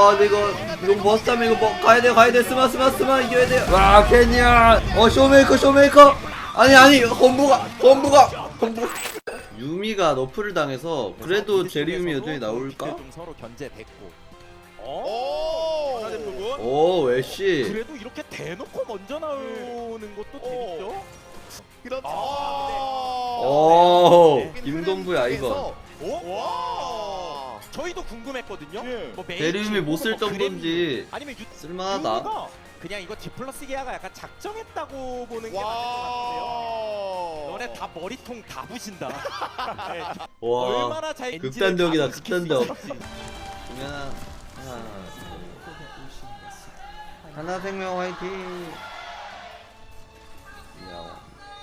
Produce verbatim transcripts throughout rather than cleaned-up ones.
와 근데 이거 이거 버스타면 이거 뭐 가야돼 가야돼 스마 스마 스마 이겨야돼. 와 캐니언 어 쇼메이커 쇼메이커 아니 아니 건부가 건부가 건부 유미가 너프를 당해서 그래도 제리유미 여전히 나올까? 좀 서로 견제됐고. 오! 하나 부분. 오 웨시 그래도 이렇게 대놓고 먼저 나오는 것도 재밌죠. 그렇죠. 아, 오 김동부야 이거 오? 와! 저희도 궁금했거든요. 예. 뭐 메인 제리유미 못 쓸 뭐 그래도 정도인지 아니면 유, 쓸만하다. 유미가 그냥 이거 디플러스 기아가 약간 작정했다고 보는 게 맞을 것 같은데요. 와! 너네 다 머리통 다 부신다. 네, 와 얼마나 잘 극단적이다, 엔진을 극단적. 가동시킬 수 있을지. 그러면 하나 하나생명 화이팅. 야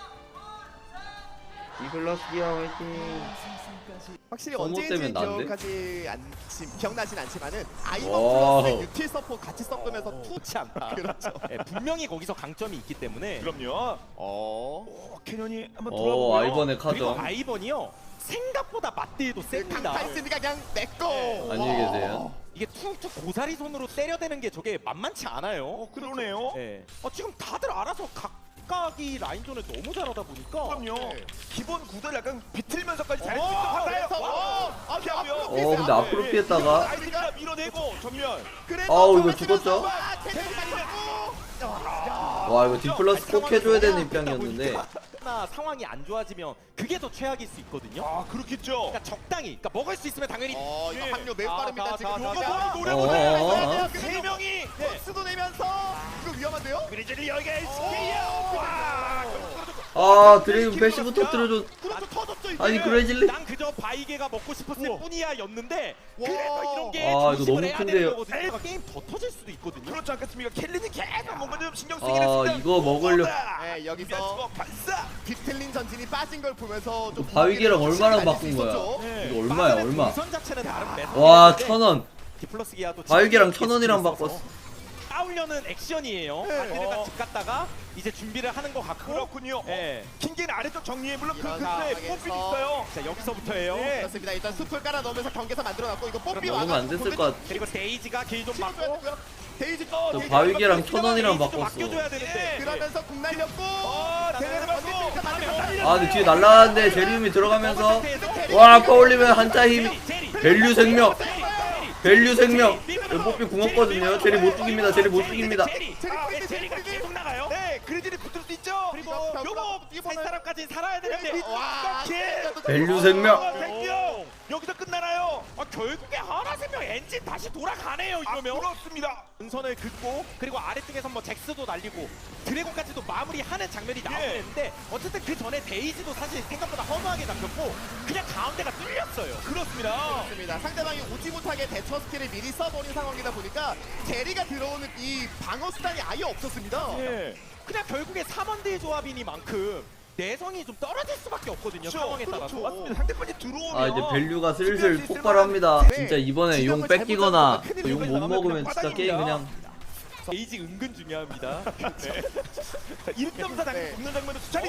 이글러스 기아 화이팅. 확실히 서모 언제인지 때문에 난데? 기억하지 않지 기억나진 않지만은 와. 아이번 플러스 유틸 서포 같이 섞으면서 투 좋지 않다. 그렇죠. 네, 분명히 거기서 강점이 있기 때문에. 그럼요. 어. 오, 캐년이 한번 오 돌아보고요. 아이번의 그리고 카정. 아이번이요 생각보다 맞대도 셉니다. 강탈스니까 그냥 내꺼. 네. 안녕히 계세요. 이게 툭툭 고사리 손으로 때려대는 게 저게 만만치 않아요. 어, 그러네요. 네. 어, 지금 다들 알아서 각각이 라인전을 너무 잘하다 보니까. 그럼요. 네. 기본 구도를 약간 비틀면서까지 잘 어, 쓰는 그래서 와. 아, 그 앞으로 어 피했어요. 근데 앞으로 피했다가 아이디가 밀어내고 전면. 그래도 아우, 이거 정말 죽었죠? 치면서 와, 캐릭터까지 되고. 와 이거 디플러스 꼭 해줘야 되는 입장이었는데 나 상황이 안 좋아지면 그게 더 최악일 수 있거든요. 아, 그렇겠죠. 그러니까 적당히, 그러니까 먹을 수 있으면 당연히. 어, 이거 예. 확률 매우 아, 빠릅니다. 가, 지금 가, 요거 가, 가. 노래 어, 어, 보내. 어. 세 명이 수도 내면서 이거 위험한데요? 그리즐리 여기가 에스케이야. 와. 아 드레이븐 패시브 터뜨려줘. 그렇죠 터졌죠 이제. 아니 그레질리 난 그저 바이게가 먹고 싶었을 우와. 뿐이야였는데 와. 그래서 이런 게 아, 이거 조심을 너무 해야 큰데요. 되는 거거든요. 그러니까 게임 더 터질 수도 있거든요. 그렇지 않겠습니까? 켈리는 계속 뭔가 좀 신경 쓰긴 아, 했습니다. 이거 먹으려- 네, 여기서 미안스고 발사. 비틀린 전진이 빠진 걸 보면서 좀 바위계랑 얼마나 가질 수 바꾼 거야? 있었죠. 네. 이거 얼마야 얼마? 우선 자체는 다른 매너. 와 천원. 디플러스 기아도 바위계랑 지금 천 원이랑 있어서 바꿨어. 싸우려는 액션이에요. 네. 바퀴가 어. 집 갔다가 이제 준비를 하는 것 같고. 그렇군요. 예. 킹게는 아래쪽 정리해 물론 그 이런 근데 상황에서 뽀삐 있어요. 자 여기서부터예요. 네. 그렇습니다. 일단 숲을 깔아 넣으면서 경계선 만들어놨고 이거 뽀삐 먹으면 안 됐을 것 같아. 그리고 데이지가 길 좀 막고. 데이지 어, 저 데이지 바위계랑 데이지 천 원이랑 데이지 좀 바꿨어. 맡겨줘야 되는데. 그러면서 국 날렸고 어, 대대를 받고. 아 근데 뒤에 날라가는데 제리움이 들어가면서 와 아까 올리면 한자 힘. 밸류 생명. 밸류 생명. 여기 뽀삐 궁었거든요. 제리 못 죽입니다. 제리 못 죽입니다. 아, 예, 제리가 계속 나가요. 네, 그리즐리 붙을 수 있죠. 그리고 요거 살 사람까지 살아야 되는데. 와 밸류 생명. 어, 생명. 여기서 끝나나요? 아 결국에 하나생명 엔진 다시 돌아가네요 아, 이러면. 그렇습니다. 은선을 긋고 그리고 아래쪽에서 뭐 잭스도 날리고 드래곤까지도 마무리하는 장면이 나오긴 예. 했는데 어쨌든 그 전에 데이지도 사실 생각보다 허무하게 잡혔고 그냥 가운데가 뚫렸어요. 그렇습니다. 그렇습니다. 상대방이 오지 못하게 대처 스킬을 미리 써버린 상황이다 보니까 제리가 들어오는 이 방어 수단이 아예 없었습니다. 예. 그냥 결국에 삼원대의 조합이니만큼 내성이 좀 떨어질 수밖에 없거든요. 그렇죠. 상황에 그렇죠. 따라서. 맞습니다. 상대편이 들어오면 아 이제 밸류가 슬슬 폭발합니다. 진짜 이번에 용 뺏기거나 용 못 먹으면 진짜 게임 그냥. 데이지 은근 중요합니다. 네. 일 점 사 네. 당첨 붙는 장면도 수차례 어.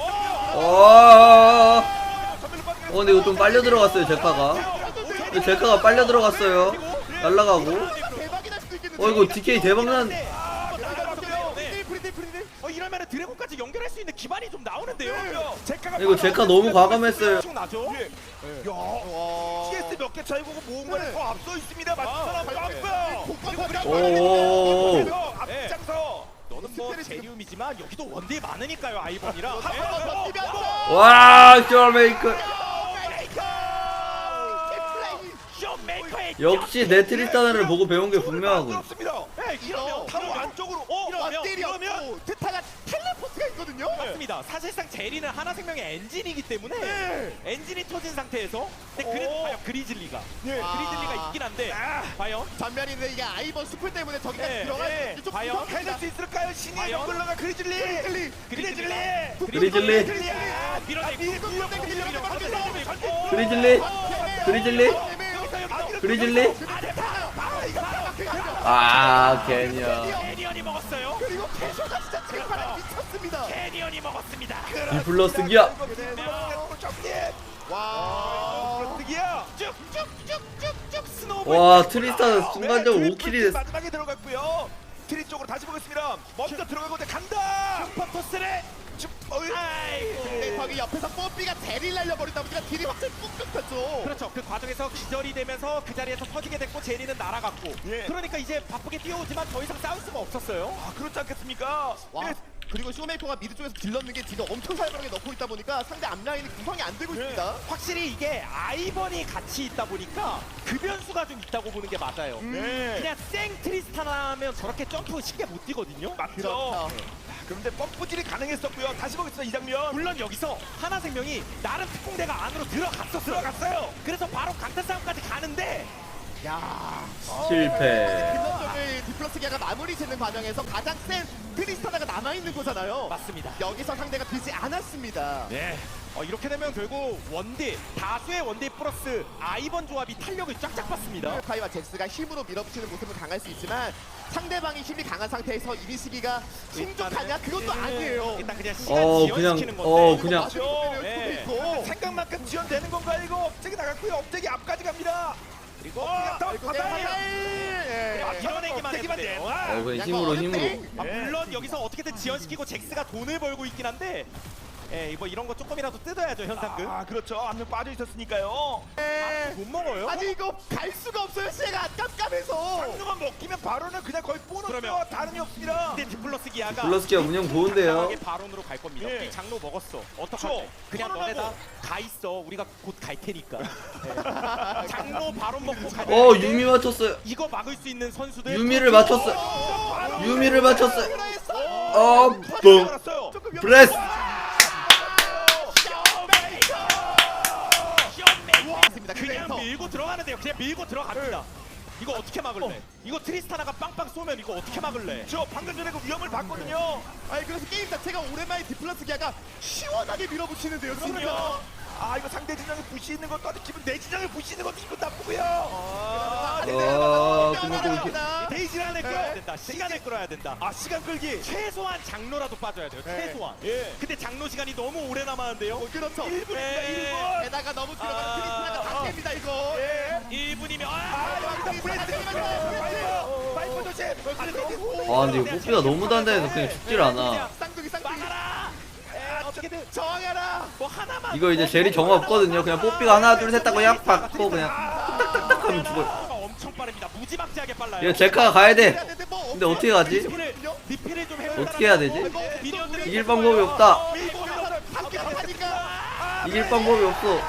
있었고요. 전면으로 빠지게 어 근데 이거 좀 빨려 들어갔어요 제카가. 근데 제카가 빨려 들어갔어요. 날라가고. 대박이 날 수도 있겠는데. 어 이거 디케이 대박난. 네. 프리딜 프리딜. 어 이러면 드래곤까지 연결할 수 있는 기반이 좀 나오는데요. 제카가 이거 제카 너무 과감했어요. 엄청 나죠? 예. 야, 와. 티에스 몇 개 차이 보고 모은 거는 네. 더 앞서 있습니다. 맞은 사람 네. 없고요. 오. 그래서 앞장서. 너는 뭐 제리움이지만 여기도 원딜 많으니까요 아이번이랑. 와 쇼메이커. 쇼메이커의 역시 네트리스타나를 보고 배운 게 분명하군. 그렇습니다. 네, 이러면 바로 안쪽으로. 어, 이러면 왔들이었고 트타가 텔레포트가 있거든요. 맞습니다. 사실상 제리는 하나생명의 엔진이기 때문에 네. 엔진이 터진 상태에서 근데 그래도 오. 과연 그리즐리가 예. 아. 그리즐리가 있긴 한데 아. 과연 전면인데 이게 아이번 숲을 때문에 저기까지 네, 들어갈 네. 수 좀 과연 부족합니다. 해낼 수 있을까요? 신의 과연? 정글러가 그리즐리. 그리즐리. 그리즐리. 그리즐리. 아, 밀어내고 그리즐리. 그리즐리. 그리즐리. 아 캐니언. 캐니언이 먹었어요. 그리고 캐쇼가 진짜 제파랑 미쳤습니다. 캐니언이 먹었습니다. 디플러스 기아. 정리. 와. 그렇기야. 쭉쭉쭉쭉쭉 스노우볼 와, 킥 트리스타는 올라와요. 순간적으로 네, 오 킬이 트리플 됐어. 마지막에 들어갔고요. 트리 쪽으로 다시 보겠습니다. 먼저 들어가고 간다. 슈퍼토스를 쭉, 어이. 아이고. 네, 거기 옆에서 뽀삐가 대리를 날려버리다 보니까 딜이 확실히 꾹꾹 폈죠. 그렇죠. 그 과정에서 기절이 되면서 그 자리에서 터지게 됐고 제리는 날아갔고. 예. 그러니까 이제 바쁘게 뛰어오지만 더 이상 싸울 수가 없었어요. 아, 그렇지 않겠습니까? 와. 네. 그리고 쇼메이커가 미드 쪽에서 딜 넣는 게 딜을 엄청 살벌하게 넣고 있다 보니까 상대 앞라인이 구성이 안 되고 네. 있습니다. 확실히 이게 아이번이 같이 있다 보니까 그 변수가 좀 있다고 보는 게 맞아요. 네. 그냥 생 트리스타나면 저렇게 점프 쉽게 못 뛰거든요. 맞죠. 그렇죠. 그런데 펌프질이 가능했었고요. 다시 보겠습니다. 이 장면. 물론 여기서 하나생명이 나름 특공대가 안으로 들어갔었어요. 들어갔어요. 그래서 바로 강타 싸움까지 가는데 야. 실패. 근접점을 디플러스 기아가 마무리 짓는 과정에서 가장 센 트리스타나가 남아있는 거잖아요. 맞습니다. 여기서 상대가 비지 않았습니다. 네. 어, 이렇게 되면 결국 원딜 다수의 원딜 플러스 아이번 조합이 탄력을 쫙쫙 받습니다. 카이와 잭스가 힘으로 밀어붙이는 모습은 강할 수 있지만 상대방이 힘이 강한 상태에서 이니시기가 힘족하냐? 그것도 아니에요. 일단 그냥 시간 어, 지연시키는 그냥, 건데. 어, 이거 그냥. 맞으면 되면 네. 수도 있고. 생각만큼 지연되는 건가 이거? 업적이 나갔고요. 업적이 앞까지 갑니다. 그리고 어, 더 아이고, 네, 바다예요. 예. 아, 밀어내기만 업적이만 했는데요. 돼. 와. 어, 그냥 약간 힘으로, 어렵네. 힘으로. 아, 예. 물론 여기서 어떻게든 지연시키고 잭스가 돈을 벌고 있긴 한데 예, 뭐 이런 거 조금이라도 뜯어야죠 현상금. 아, 그렇죠. 한 명 빠져 있었으니까요. 예. 못 먹어요. 아니 이거 갈 수가 없어요. 시가 깜깜해서. 한명만 먹히면 바로는 그냥 거의 보너스와 그러면- 다름이 없습니다. 근데 디플러스 기아가 디플러스 기아 운영 좋은데요? 당당하게 바론으로 갈 겁니다. 예. 이 장로 먹었어. 어떡하지? 그렇죠. 그냥 선언하고. 너네다 가 있어. 우리가 곧 갈 테니까. 네. 장로 바론 먹고 가. 어, 유미 맞췄어요. 이거 막을 수 있는 선수들. 유미를 맞췄어요. 어, 유미를 맞췄어요. 그래서 어, 뻥. 뻥. 알았어요. 조금 브레스. 위험했습니다. 그냥 그래서 밀고 들어가는데요. 그냥 밀고 들어갑니다. 이거 어떻게 막을래? 이거 트리스타나가 빵빵 쏘면 이거 어떻게 막을래? 저 방금 전에 그 위험을 봤거든요. 아니 그래서 게임 자체가 오랜만에 디플러스 기아가 시원하게 밀어붙이는데요. 진짜. 그럼요. 아, 이거 상대 진영에 부시 있는 것도 아주 기분, 내 진영에 부시 있는 것도 기분 나쁘고요. 아, 어, 근데 또 이렇게- 데이지란을 네. 끌어야 된다. 시간을 끌어야 된다. 아, 시간 끌기. 최소한 장로라도 빠져야 돼요. 네. 최소한. 예. 근데 장로 시간이 너무 오래 남았는데요. 그렇죠. 일 분입니다. 네. 일 분. 게다가 너무 들어가는 아, 트리스타나가 아. 다 깹니다 이거. 예. 일 분이면 아, 아, 여기서 브레스. 파이퍼. 파이퍼 조심. 아, 근데 이거 뽀삐가 너무 단단해서 그냥 죽질 않아. 쌍둥이 쌍둥이. 막아라. 에, 어떻게든 저항해라. 뭐 하나만. 이거 이제 젤이 정화 없거든요. 그냥 뽀삐가 하나, 둘, 셋 하고 약 받고 그냥 탁탁탁탁 하면 죽어요. 가 엄청 빠릅니다. 무지막지하게 빨라요. 이거 제카가 가야 돼. 뭐 근데 어떻게 가지? 리필을 리필을 좀 해. 어떻게 해야 되지? 미니언들이 이길 방법이 없다. 밀고 가서 함께 하니까. 이길 방법이 없어.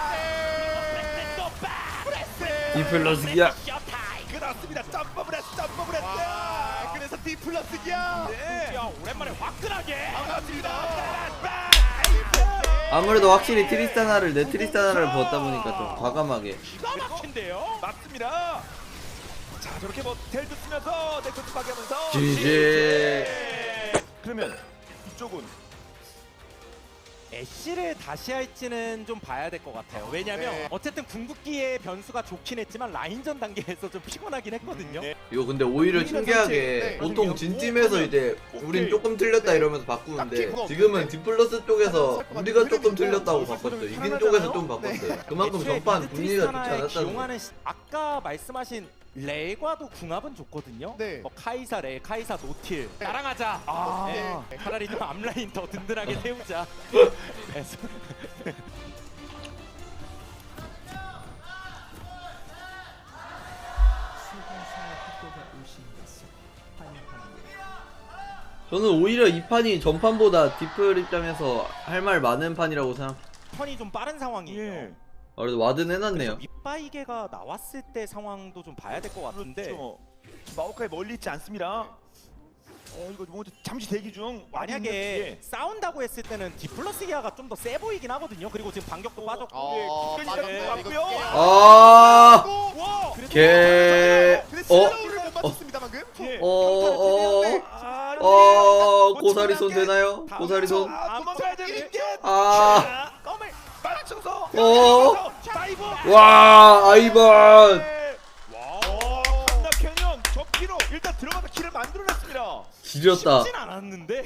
디플러스 기아. 그렇습니다. 점프 브레스, 점프 브레스. 와, 그래서 디플러스 기아. 네. 야, 오랜만에 화끈하게. 반갑습니다. 아무래도 확실히 트리스타나를 내 트리스타나를 보았다 보니까 좀 과감하게. 기가 막힌데요. 맞습니다. 자, 저렇게 뭐 텔도 쓰면서 네트워크 파괴하면서 지지. 그러면 이쪽은 애쉬를 다시 할지는 좀 봐야 될 것 같아요. 왜냐면 네. 어쨌든 궁극기의 변수가 좋긴 했지만 라인전 단계에서 좀 피곤하긴 했거든요. 네. 이거 근데 오히려 신기하게 보통 진팀에서 이제 우린 조금 틀렸다 이러면서 바꾸는데 지금은 디플러스 쪽에서 우리가 조금 틀렸다고 바꿨어요. 이긴 쪽에서 좀 바꿨어요. 그만큼 애초에 전반 미드 분위기가 좋지 트리스타나에 않았다는 거. 기용하는 시- 아까 말씀하신 레과도 궁합은 좋거든요. 네. 뭐 카이사 레, 카이사 노틸 네. 나랑 하자. 아. 네. 차라리 좀 앞라인 더 든든하게 세우자. 그래서 저는 오히려 이 판이 전판보다 디플 입장에서 할 말 많은 판이라고 생각. 턴이 좀 빠른 상황이에요. 예. 아, 그래도 와든 해놨네요. 밑바이게가 나왔을 때 상황도 좀 봐야 될 것 같은데 그렇죠. 마오카이 멀리 있지 않습니다. 어, 이거 뭐 잠시 대기 중. 만약에 싸운다고 했을 때는 디플러스 기아가 좀 더 세 보이긴 하거든요. 그리고 지금 반격도 빠졌고. 어, 예, 빠졌네요. 끝까지 이거 왔고요. 아, 와. 개. 근데 어, 슬로우를 못 맞췄습니다 방금. 예. 어, 어, 아, 어, 고사리 손 되나요? 고사리 손. 아, 도망가야 되는 게. 아, 껌을 빨아쳐서. 어. 다이브. 와, 아이번. 와. 칸나 캐년 저 키로 일단 들어가서 키를 만들어냈습니다. 지렸다. 쉽진 않았는데.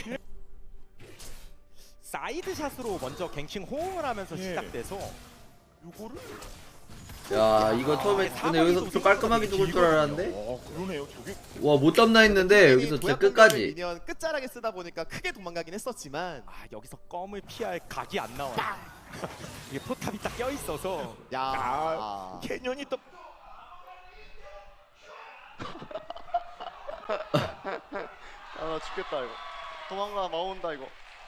사이드 샷으로 먼저 갱킹 호응을 하면서 예. 시작돼서 요거를 야 이거 처음에 근데 여기서 좀 깔끔하게 죽을 줄 알았는데 어 그러네요. 저기 와 못 잡나 했는데 여기서 진짜 끝까지. 미니언 끝자락에 쓰다 보니까 크게 도망가긴 했었지만 아 여기서 껌을 피할 각이 안 나와요. 이게 포탑이 딱 껴 있어서. 야 아 캐년이 또 아 죽겠다 이거. 도망가 나온다 이거.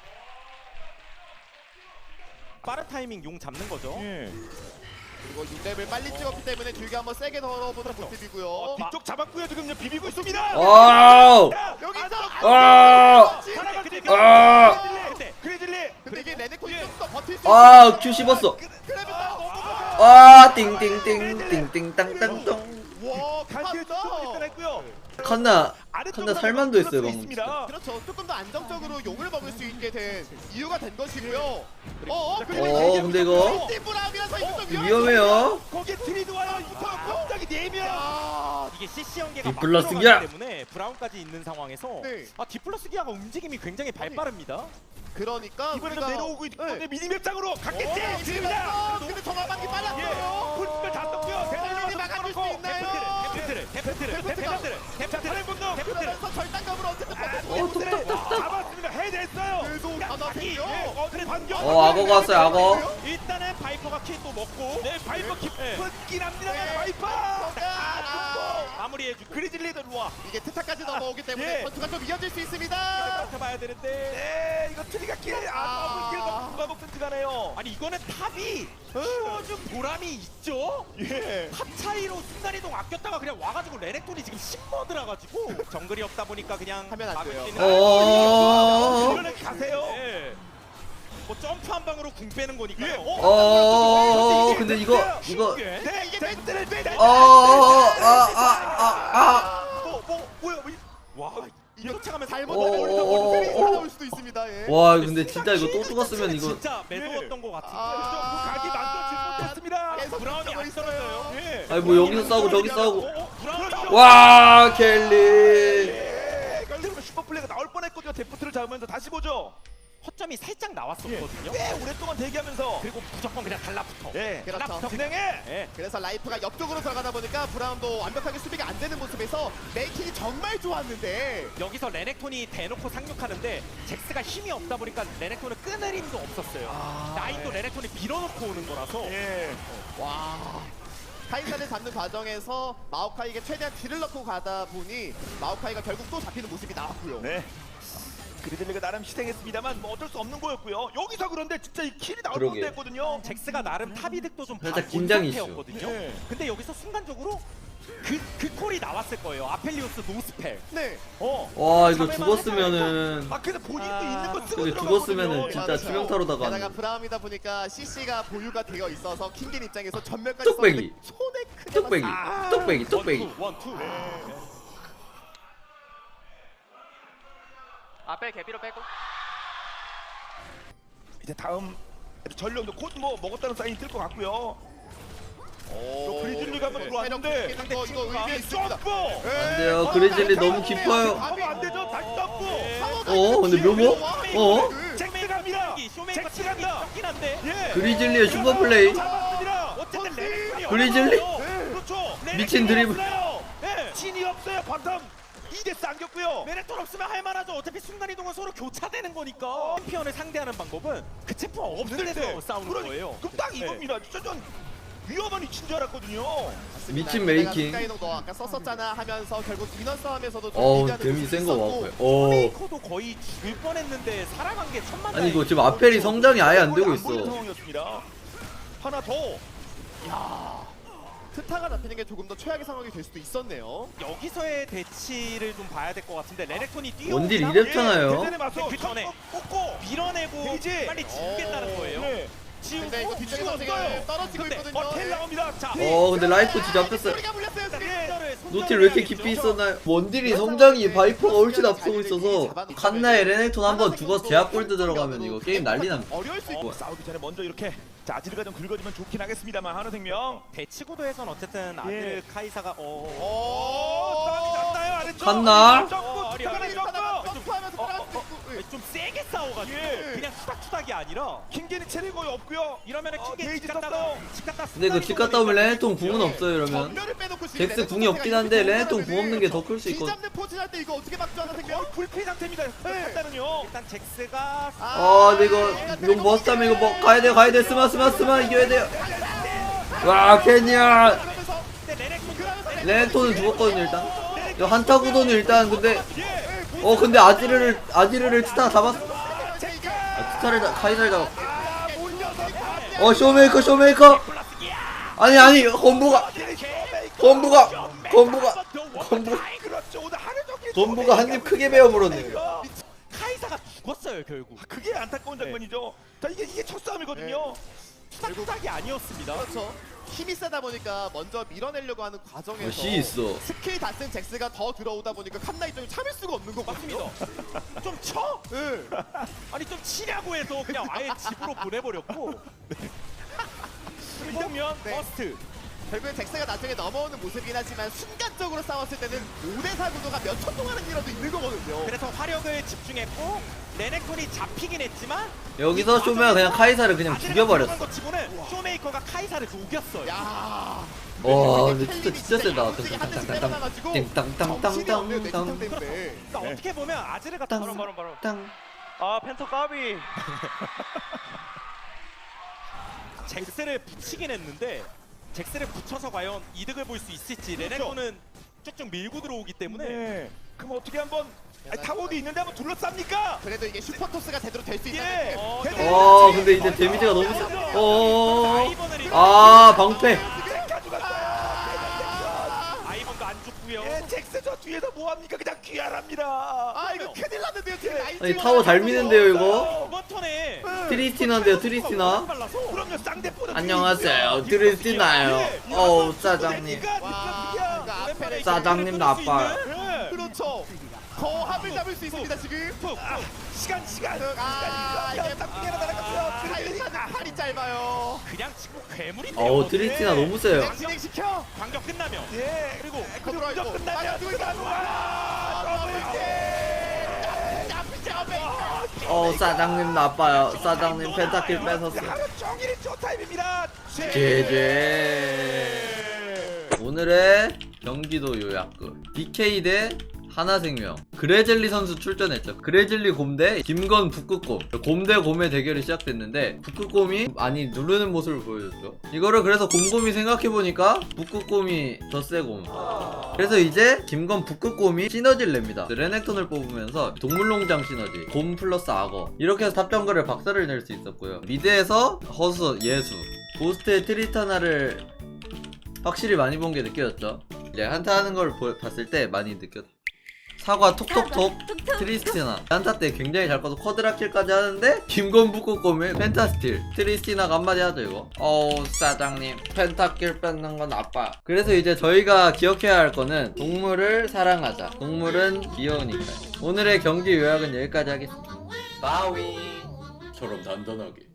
빠른 타이밍 용 잡는 거죠. 예. 그리고 육 렙을 빨리 찍었기 때문에 길게 한번 세게 덜어보는 모습이고요. 어, 뒤쪽 잡았고요. 지금 이제 비비고 있습니다. 와우. 여기서 아. 아. 근데 그레즐리. 근데 이게 레네콘이 좀 더 버틸 수 아 큐 씹었어. 그러면 딱 아 띵띵띵 띵띵 땅땅땅. 와 간신히 칸다. 좀 일단했고요. 칸나 칸나 살만도 했어요 방금. 있습니다. 그렇죠. 조금 더 안정적으로 용을 먹을 수 있게 된 이유가 된 것이고요. 어어 어, 근데 이거 브라운이라서 이거 좀 위험해요. 거기에 트리드 와요. 이거 갑자기 네 명. 야, 이게 씨씨 연계가 막 디플러스 들어가기 기아. 때문에 브라운까지 있는 상황에서 네. 아 디플러스 기아가 움직임이 굉장히 발빠릅니다. 그러니까 이번에도 우리가- 내려오고 있는데 네. 미니맵장으로 갔겠지. 어, 지금이다. 근데 정화방기 예. 빨랐어요. 풀스펠 다 떴고요. 대단히 막아줄 수 있나요? 데프트를 데프트를 데프트를 데프트를 다른 분도 그러면서 절단감으로 어쨌든 버텼어요. 어 뚝뚝뚝뚝. 잡았습니다. 해냈어요. 그래도 하나 자기, 생겨. 예, 어, 그래 반격. 어 악어가 왔어요 악어. 일단은 바이퍼가 킬 또 먹고 네, 바이퍼 깊은 합니다. 네. 바이퍼. 아, 마무리해주고 그리즐리도 와. 이게 트타까지 넘어오기 때문에 예. 전투가 좀 이어질 수 있습니다. 봐야 되는데 네, 이거 트리가 길. 아. 아, 길 누가 먹든 가네요. 아니 이거는 탑이 키워준 보람이 있죠? 예. 탑 차이로 순간이동 아꼈다가 그냥 와가지고 레넥톤이 지금 십머드라 가지고 정글이 없다 보니까 그냥 하면 안 막을 돼요. 수 있는 어. 이거는 가세요. 예. 뭐 점프 한 방으로 궁 빼는 거니까요. 예. 어? 어 근데 이거 이거 예? 네, 이게 멘트를 멘트. 어아아아 뭐, 뭐, 뭐야, 뭐, 이- 와 이거 차가면 잘못 어, 어, 넘어오니까 어, 어, 트릭이 어. 나올 수도 있습니다. 예. 와 근데 진짜 이거 또 죽었으면 이거 진짜 매서웠던 것 같은데. 아. 그 각이 만들어지지 못했습니다. 계속 브라운이 안 떨어져요. 예. 아니 뭐 여기서 싸우고 저기 싸우고 어, 브라운이 와 켈리 예. 결국은 슈퍼플레이가 나올 뻔했거든요. 데프트를 잡으면서 다시 보죠. 허점이 살짝 나왔었거든요. 꽤 오랫동안 대기하면서. 그리고 무조건 그냥 달라붙어. 예. 그렇죠. 진행해. 예. 그래서 라이프가 옆쪽으로 들어가다 보니까 브라운도 완벽하게 수비가 안 되는 모습에서 메이킹이 정말 좋았는데 여기서 레넥톤이 대놓고 상륙하는데 잭스가 힘이 없다 보니까 레넥톤은 끊을 힘도 없었어요. 라인도 레넥톤이 밀어놓고 오는 거라서 예. 와 카이사를 잡는 과정에서 마오카이가 최대한 딜을 넣고 가다 보니 마오카이가 결국 또 잡히는 모습이 나왔고요. 네. 그리즐리가 나름 희생했습니다만 뭐 어쩔 수 없는 거였고요. 여기서 그런데 진짜 이 킬이 나올 그러게. 뻔도 했거든요. 잭스가 나름 탑이득도 좀 살짝 본 긴장 이슈. 상태였거든요. 예. 근데 여기서 순간적으로 그, 그 콜이 나왔을 거예요. 아펠리오스 노스펠. 네. 어. 와 이거 죽었으면은 아 근데 본인도 아, 있는 거 쓰고 근데 들어가거든요. 죽었으면은 진짜 맞아요. 치명타로다가 게다가 하는. 브라움이다 보니까 씨씨가 보유가 되어 있어서 킹겐 입장에서 전멸까지 뚝배기. 썼는데 손에 크게 뚝배기 맞았- 뚝배기 뚝배기 원투 원투. 앞에 개비로 빼고. 이제 다음 전령도 곧 뭐 먹었다는 사인이 뜰 것 같고요. 오, 그리즐리가 한번 네. 들어왔는데 체력 거 이거 의미 있습니다. 점프. 안 돼요 그리즐리 너무 깊어요. 하면 안 되죠. 다시 점프. 어 근데 묘모? 어? 잭스 갑니다. 쇼메이커 잭스 체력이 간다. 적긴 한데. 예. 그리즐리의 슈퍼플레이. 잡았습니다. 어쨌든 레넥톤이 그리즐리? 없어요. 그렇죠. 미친 드리블. 예. 진이 없어요. 바텀 이 대 안겼고요. 레넥톤 없으면 할만하죠. 어차피 순간이동은 서로 교차되는 거니까. 챔피언을 상대하는 방법은 그 챔피언 없을 때서 싸우는 그러니- 거예요. 그럼 딱 이겁니다. 진짜 전 위험한 위치인 줄 알았거든요. 미친 메이킹. 스카이동 너 아까 썼었잖아 하면서 결국 인원 싸움에서도 좀 어우 리드하는 데미 모습이 센거 있었고 같고요. 어 쇼메이커도 거의 죽을 뻔했는데 살아간 게 천만 아니 이거 다행이죠. 지금 아펠이 성장이 아예 안 되고 안 보이는 있어. 상황이었습니다. 하나 더. 트타가 잡히는 게 조금 더 최악의 상황이 될 수도 있었네요. 여기서의 대치를 좀 봐야 될 것 같은데 레넥톤이 뛰어 원딜 이랬잖아요. 대전에 맞서 그 전에 꽂고 밀어내고 데이지. 빨리 지우겠다는 거예요. 네. 지우고 근데 이거 뒤쪽에 지웠어요. 선수가 떨어지고 근데 있거든요. 어, 텔 나옵니다. 자, 어 근데 라이프 진짜 잡혔어요. 소리가 물렸어요. 소리. 네. 노틸 왜 이렇게 깊이 있었나요? 원딜이 성장이 바이퍼가 훨씬 앞서고 있어서 칸나의 레넥톤 한번 죽어서 제압 골드 들어가면 이거 게임 난리 납니다. 어려울 수 있고. 어, 싸우기 전에 먼저 이렇게 자 아지르가 좀 긁어주면 좋긴 하겠습니다만 한우생명. 대치구도에선 어쨌든 아들 카이사가 어. 오, 싸움이 났나요? 아래쪽. 갔나? 점프, 어, 투타가 어리, 어리. 점프. 점프하면서 어, 따라갈 수 어, 있고. 예. 좀 세게 싸워가지고 예. 그냥 투닥투닥이 아니라 킹겐이 체력이 거의 없고요. 이러면은 어, 킹게 데이지 집 갔다가 떴어요. 집 갔다 근데 그 집 갔다 오면 레네톤 궁은 없어요 이러면. 전멸을 빼놓고 지금 잭스 궁이 없긴 한데 레네톤 궁 없는 게 더 클 수 기 있거든. 잡는 포진 할때 이거 어떻게 막죠 하나 생겨? 거의 불피 상태입니다. 일단은요. 일단 잭스가 아 근데 이거 이거 머스타면 이거 뭐 가야 돼 가야 돼 스마 스마 스마 이겨야 돼요. 와 케냐 그러면서 근데 레넥톤 그러면서 레넥톤은 죽었거든요 일단. 이거 한타 구도는 일단 근데 어 근데 아지르를 아지르를 치타 잡았어. 아 치타를 다- 카이사를 잡았어. 어 쇼메이커 쇼메이커. 아니 아니 건부가 건부가 건부가 건부 그렇죠. 오늘 하루 종일 건부가 한 입 크게 베어 물었네요. 카이사가 죽었어요 결국. 그게 안타까운 장면이죠. 자 이게 이게 첫 싸움이거든요. 투닥투닥이 아니었습니다. 그렇죠. 힘이 세다 보니까 먼저 밀어내려고 하는 과정에서 어, 씨 있어. 스킬 다 쓴 잭스가 더 들어오다 보니까 칸나 입장이 참을 수가 없는 거거든요. 맞습니다. 좀 쳐? 네. 아니 좀 치냐고 해서 그냥 아예 집으로 보내버렸고. 이러면 네. 버스트. 결국엔 잭스가 나중에 넘어오는 모습이긴 하지만 순간적으로 싸웠을 때는 오 대 사 구도가 몇 초 동안은 이라도 있는 거거든요. 그래서 화력을 집중했고 레넥톤이 잡히긴 했지만 여기서 쇼메가 그냥 카이사를 그냥 죽여버렸어. 것 치고는 쇼메이커가 카이사를 녹였어요. 야. 와 근데 진짜 진짜 세다. 갑자기 한 대씩 때려놔가지고 띵땅땅땅땅땅 정신이 없네요, 내 땅땅땅 기상 때문에. 그러니까 어떻게 보면 아즈르가 땅. 바로 바로 바로 땅. 아 펜터 까비. 잭스를 붙이긴 했는데 잭스를 붙여서 과연 이득을 볼 수 있을지 레넥톤은 쭉쭉 밀고 들어오기 때문에 네. 그럼 어떻게 한번 아니, 타워도 있는데 한번 둘러쌉니까? 그래도 이게 슈퍼토스가 제대로 될 수 예. 있다는 어, 게 좀- 와 근데 이제 데미지가 너무 세. 어어어. 아이번을 이렇게 아 방패. 아이번도 안 죽고요. 예, 잭스 저 뒤에서 뭐합니까? 그냥 귀환합니다. 아 이거 큰일 났는데요 지금 라인 아니 찍어놔가지고. 타워 잘 미는데요 이거. 이번 턴에 트리스티나인데요 트리스티나. 빨라서 그럼요 쌍대포는 안녕하세요 트리스티나요. 어우 사장님. 와 이거 앞에 사장님 나빠요. 예. 그렇죠. 더 합을 잡을 수 있습니다 지금. 아, 시간 시간. 아 이게 쌍둥이가 날아갔어요. 카이사는 팔이 짧아요. 그냥 지금 괴물인데요. 어우 트리스티나 너무 세요. 그냥 진행시켜. 광격 끝나면 예. 그리고 더 들어와 있고. 끝나면 빨리 들어와. 와, 어 사장님 나빠요. 사장님 펜타킬 뺏었어. 하루 종일이 쇼타임입니다. 제제. 오늘의 경기도 요약극 비케이 대 하나생명. 그레젤리 선수 출전했죠. 그레젤리 곰 대 김건 북극곰. 곰 대 곰의 대결이 시작됐는데 북극곰이 많이 누르는 모습을 보여줬죠. 이거를 그래서 곰곰이 생각해보니까 북극곰이 더 세곰. 그래서 이제 김건 북극곰이 시너지를 냅니다. 레넥톤을 뽑으면서 동물농장 시너지, 곰 플러스 악어, 이렇게 해서 탑정글을 박살을 낼 수 있었고요. 미드에서 허수, 예수, 고스트의 트리타나를 확실히 많이 본 게 느껴졌죠. 이제 한타 하는 걸 보, 봤을 때 많이 느꼈죠. 사과 톡톡톡 트리스티나 한타 때 굉장히 잘 꺼서 쿼드라킬까지 하는데 김건 북극곰의 펜타스틸. 트리스티나가 한마디 하죠 이거. 어우 사장님 펜타킬 뺏는 건 아빠. 그래서 이제 저희가 기억해야 할 거는 동물을 사랑하자. 동물은 귀여우니까요. 오늘의 경기 요약은 여기까지 하겠습니다. 바위 처럼 단단하게.